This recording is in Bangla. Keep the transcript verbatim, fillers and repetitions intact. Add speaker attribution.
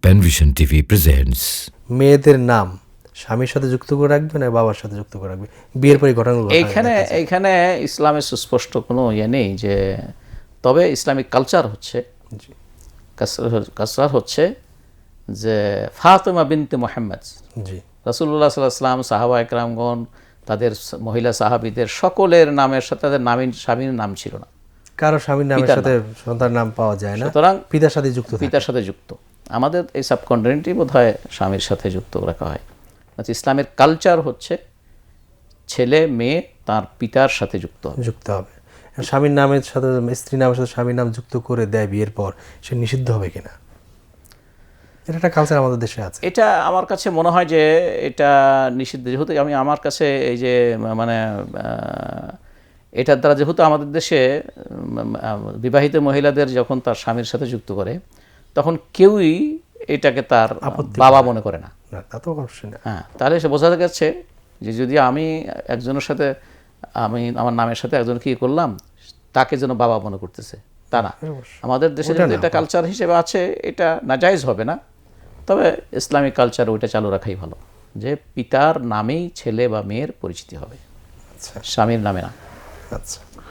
Speaker 1: Panvision TV presents.
Speaker 2: মেয়েদের নাম স্বামীর সাথে যুক্ত করে রাখবে না বাবার সাথে যুক্ত করে রাখবে, বিয়ের পরে ঘটনাগুলো
Speaker 3: এইখানে এইখানে ইসলামের সুস্পষ্ট কোনো ইয়ে নেই যে, তবে ইসলামিক কালচার হচ্ছে কালচার হচ্ছে যে ফাতেমা বিনতে মুহাম্মদ,
Speaker 2: জি
Speaker 3: রাসূলুল্লাহ সাল্লাল্লাহু আলাইহি ওয়াসাল্লাম, সাহাবা একরামগণ, তাদের মহিলা সাহাবীদের সকলের নামের সাথে তাদের নামীন স্বামীর নাম ছিল না।
Speaker 2: কারো স্বামীর নামের
Speaker 3: পিতার
Speaker 2: সাথে সন্তান নাম পাওয়া যায় না,
Speaker 3: সুতরাং
Speaker 2: পিতার সাথে যুক্ত থাকে।
Speaker 3: পিতার সাথে যুক্ত। আমাদের এই সাবকন্টিনেন্টই বোধ হয় স্বামীর সাথে যুক্ত রাখা হয়। আচ্ছা, ইসলামের কালচার হচ্ছে ছেলে মেয়ে তার পিতার সাথে যুক্ত হবে।
Speaker 2: যুক্ত হবে। স্বামীর নামের সাথে স্ত্রী নামের সাথে স্বামীর নাম যুক্ত করে দেয় বিয়ের পর, সে নিষিদ্ধ হবে কিনা? এটা একটা কালচার আমাদের দেশে আছে।
Speaker 3: এটা আমার কাছে মনে হয় যে এটা নিষিদ্ধ, যেহেতু আমি আমার কাছে এই যে মানে আহ, এটার দ্বারা যেহেতু আমাদের দেশে উম, আহ, বিবাহিত মহিলাদের যখন তার স্বামীর সাথে যুক্ত করে তখন কেউই এটাকে তার বাবা মনে করে না।
Speaker 2: না, তা তো অবশ্যই না।
Speaker 3: হ্যাঁ, তাহলে সে বোঝা যাচ্ছে যে যদি আমি একজনের সাথে আমি আমার নামের সাথে একজন কি করলাম তাকে যেন বাবা মনে করতেছে, তা না। আমাদের দেশে
Speaker 2: ওটা
Speaker 3: যদি
Speaker 2: না।
Speaker 3: এটা কালচার হিসেবে আছে, এটা নাজায়েজ হবে না, তবে ইসলামিক কালচার ওইটা চালু রাখাই ভালো, যে পিতার নামেই ছেলে বা মেয়ের পরিচিতি হবে,
Speaker 2: আচ্ছা
Speaker 3: স্বামীর নামে না।
Speaker 2: আচ্ছা